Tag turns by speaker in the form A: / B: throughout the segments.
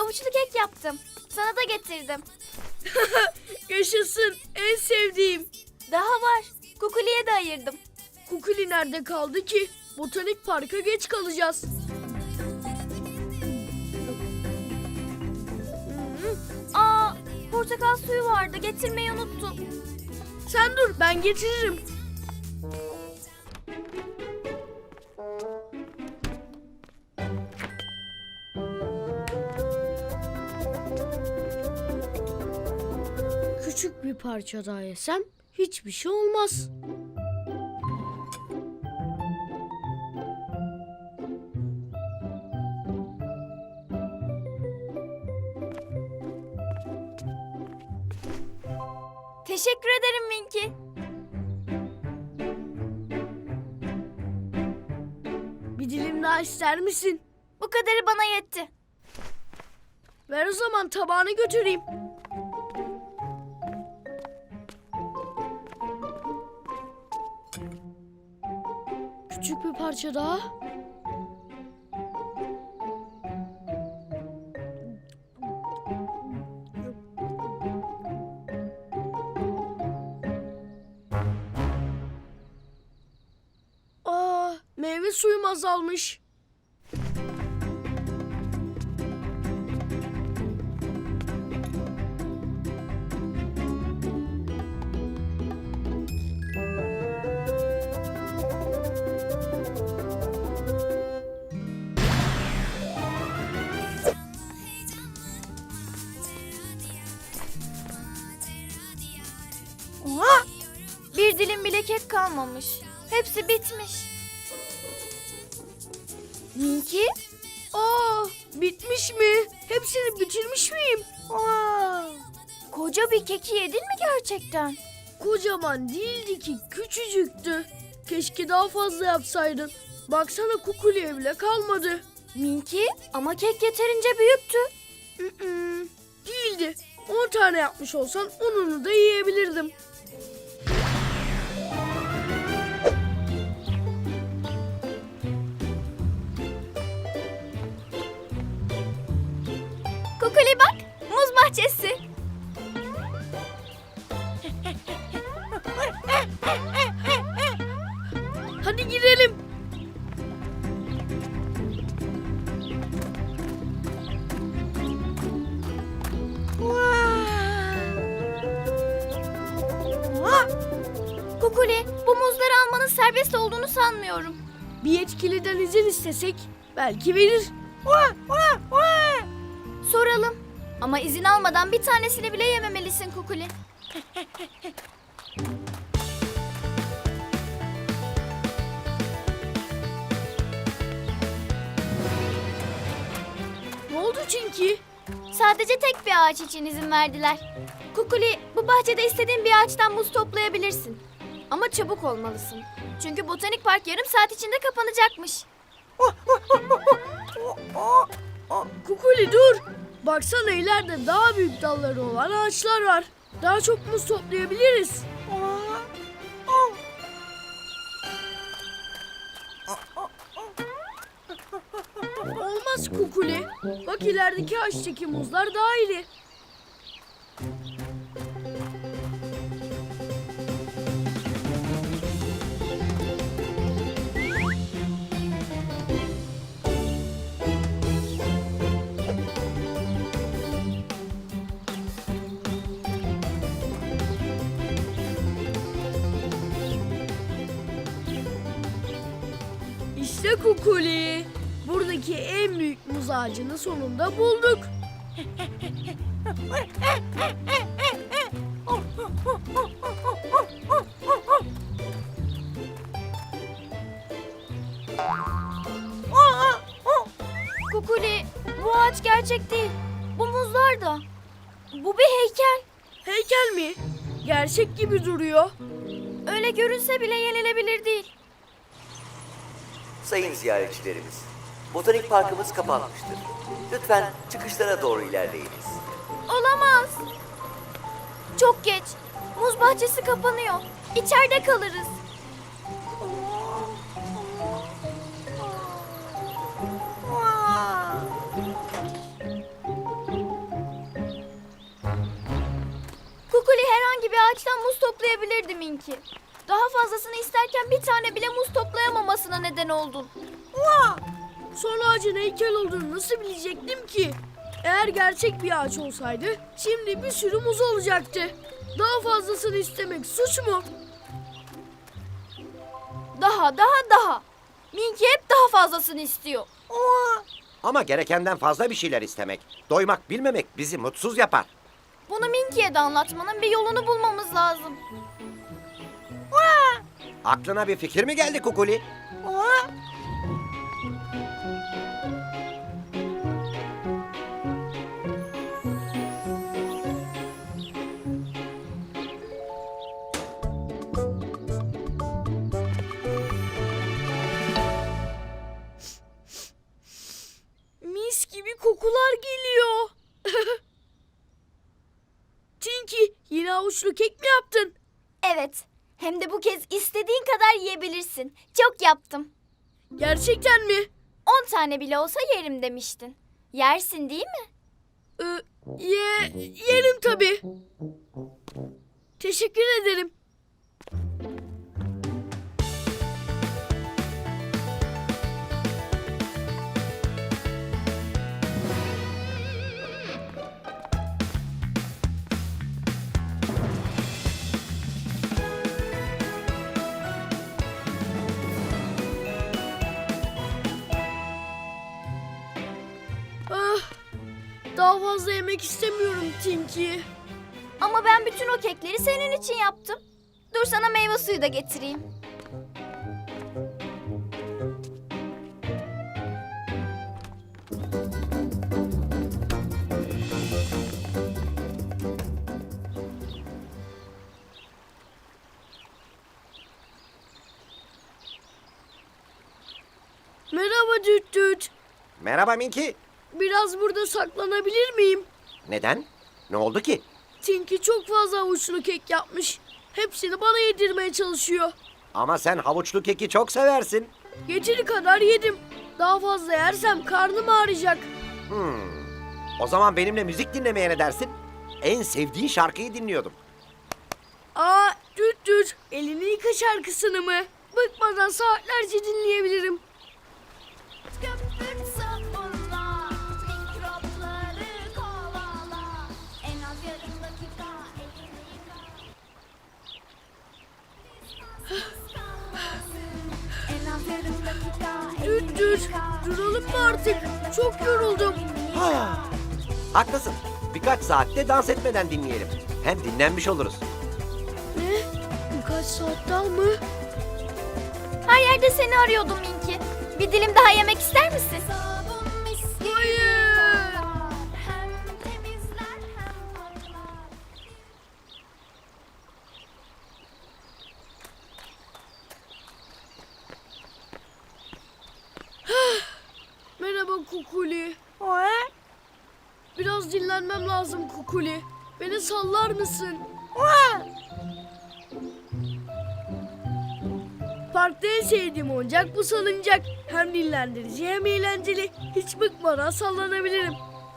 A: havuçlu kek yaptım. Sana da getirdim.
B: Yaşasın, en sevdiğim.
A: Daha var. Kukuli'ye de ayırdım.
B: Kukuli nerede kaldı ki? Botanik parka geç kalacağız.
A: Aa, portakal suyu vardı. Getirmeyi unuttum.
B: Sen dur, ben getiririm. Küçük bir parça daha yesem hiçbir şey olmaz.
A: Teşekkür ederim Minki.
B: Bir dilim daha ister misin?
A: Bu kadarı bana yetti.
B: Ver o zaman, tabağını götüreyim. Küçük bir parça daha. Aa, meyve suyum azalmış.
A: Oha! Bir dilim bile kek kalmamış. Hepsi bitmiş. Minki?
B: Aa, bitmiş mi? Hepsini bitirmiş miyim? Aa,
A: Koca bir keki yedin mi gerçekten?
B: kocaman değildi ki, küçücüktü. Keşke daha fazla yapsaydın. Baksana, Kukuli'ye bile kalmadı.
A: Minki, ama kek yeterince büyüktü.
B: Değildi. 10 tane yapmış olsan onunu da yiyebilirdim.
A: Kukuli bak, muz bahçesi.
B: Hadi girelim.
A: Kukuli, bu muzları almanın serbest olduğunu sanmıyorum.
B: Bir yetkiliden izin istesek belki verir.
A: Soralım. Ama izin almadan bir tanesini bile yememelisin Kukuli.
B: Ne oldu Çinki?
A: Sadece tek bir ağaç için izin verdiler. Kukuli, bu bahçede istediğin bir ağaçtan muz toplayabilirsin. Ama çabuk olmalısın. Çünkü botanik park yarım saat içinde kapanacakmış.
B: Kukuli dur. Baksana, ileride daha büyük dalları olan ağaçlar var. Daha çok muz toplayabiliriz. Olmaz Kukuli. Bak, ilerideki ağaçtaki muzlar daha iri. İşte Kukuli. Buradaki en büyük muz ağacını sonunda bulduk.
A: Kukuli, bu ağaç gerçek değil. Bu muzlar da. Bu bir heykel.
B: Heykel mi? Gerçek gibi duruyor.
A: Öyle görünse bile yenilebilir değil.
C: Sayın ziyaretçilerimiz, botanik parkımız kapanmıştır. Lütfen çıkışlara doğru ilerleyiniz.
A: Olamaz. Çok geç. Muz bahçesi kapanıyor. İçeride kalırız. ağaçtan muz toplayabilirdi Minki. Daha fazlasını isterken bir tane bile muz toplayamamasına neden oldun.
B: Son ağacın heykel olduğunu nasıl bilecektim ki? Eğer gerçek bir ağaç olsaydı şimdi bir sürü muz olacaktı. Daha fazlasını istemek suç mu?
A: Daha. Minki hep daha fazlasını istiyor.
D: Ama gerekenden fazla bir şeyler istemek, doymak bilmemek bizi mutsuz yapar.
A: Bunu Minki'ye de anlatmanın bir yolunu bulmamız lazım.
D: Aklına bir fikir mi geldi Kukuli?
B: Mis gibi kokular geliyor. Tinky, yine avuçlu kek mi yaptın?
A: Evet. Hem de bu kez istediğin kadar yiyebilirsin. Çok yaptım.
B: Gerçekten mi?
A: 10 tane bile olsa yerim demiştin. Yersin değil mi?
B: Yerim tabii. Teşekkür ederim. Daha fazla yemek istemiyorum Tinky.
A: Ama ben bütün o kekleri senin için yaptım. Dur sana meyve suyu da getireyim.
B: Merhaba Düt Düt.
D: Merhaba Minki.
B: Biraz burada saklanabilir miyim?
D: Neden? Ne oldu ki?
B: Tinky çok fazla avuçlu kek yapmış. Hepsini bana yedirmeye çalışıyor.
D: Ama sen havuçlu keki çok seversin.
B: Yeteri kadar yedim. Daha fazla yersem karnım ağrıyacak.
D: O zaman benimle müzik dinlemeye ne dersin? En sevdiğin şarkıyı dinliyordum.
B: Düt Düt, elini yıka şarkısını mı? Bıkmadan saatlerce dinleyebilirim.
A: Köpük sabunla, mikropları kovala. En az yarım dakika elini yıka. En az yarım dakika
B: Düt Düt, duralım mı artık? Çok yoruldum.
D: Haklısın. Birkaç saatte dans etmeden dinleyelim. Hem dinlenmiş oluruz.
B: Ne? Birkaç saat daha mı?
A: Her yerde seni arıyordum Minki. Bir dilim daha yemek ister misin?
B: Hayır.
A: Hem temizler hem koklar.
B: Merhaba Kukuli. Biraz dinlenmem lazım Kukuli. Beni sallar mısın? Parkta en sevdiğim oyuncak bu salıncak. Hem dinlendirici hem eğlenceli. Hiç bıkmadan sallanabilirim.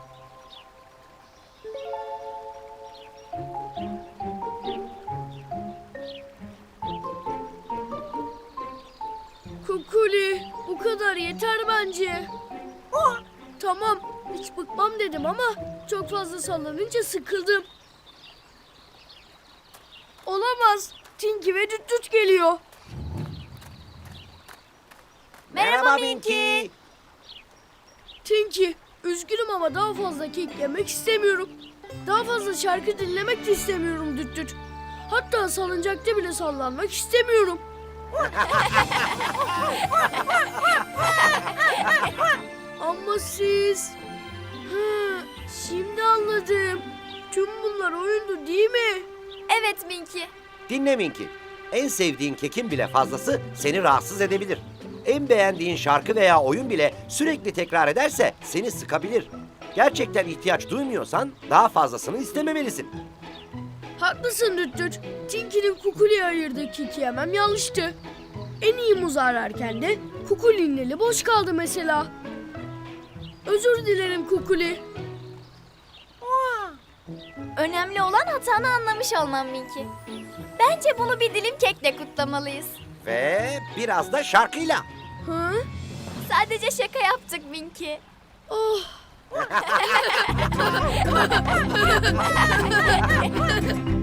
B: Kukuli, bu kadar yeter bence. Tamam, hiç bıkmam dedim ama çok fazla sallanınca sıkıldım. Olamaz. Tinky ve Düt Düt geliyor.
A: Merhaba Minki.
B: Tinky, üzgünüm ama daha fazla kek yemek istemiyorum. Daha fazla şarkı dinlemek de istemiyorum Düt Düt. Hatta salıncakta bile sallanmak istemiyorum. Ama siz... Şimdi anladım. Tüm bunlar oyundu değil mi?
A: Evet Minki.
D: Dinle Minki. En sevdiğin kekin bile fazlası seni rahatsız edebilir. En beğendiğin şarkı veya oyun bile sürekli tekrar ederse seni sıkabilir. Gerçekten ihtiyaç duymuyorsan daha fazlasını istememelisin.
B: Haklısın Düt Düt. Tinky'nin Kukuli'ye ayırdığı keki yemem yanlıştı. En iyi muz ararken de Kukuli'nin eli boş kaldı mesela. Özür dilerim Kukuli.
A: Önemli olan hatanı anlamış olman Minki. Bence bunu bir dilim kekle kutlamalıyız.
D: Ve biraz da şarkıyla.
B: Hı?
A: Sadece şaka yaptık Minki.
B: Oh.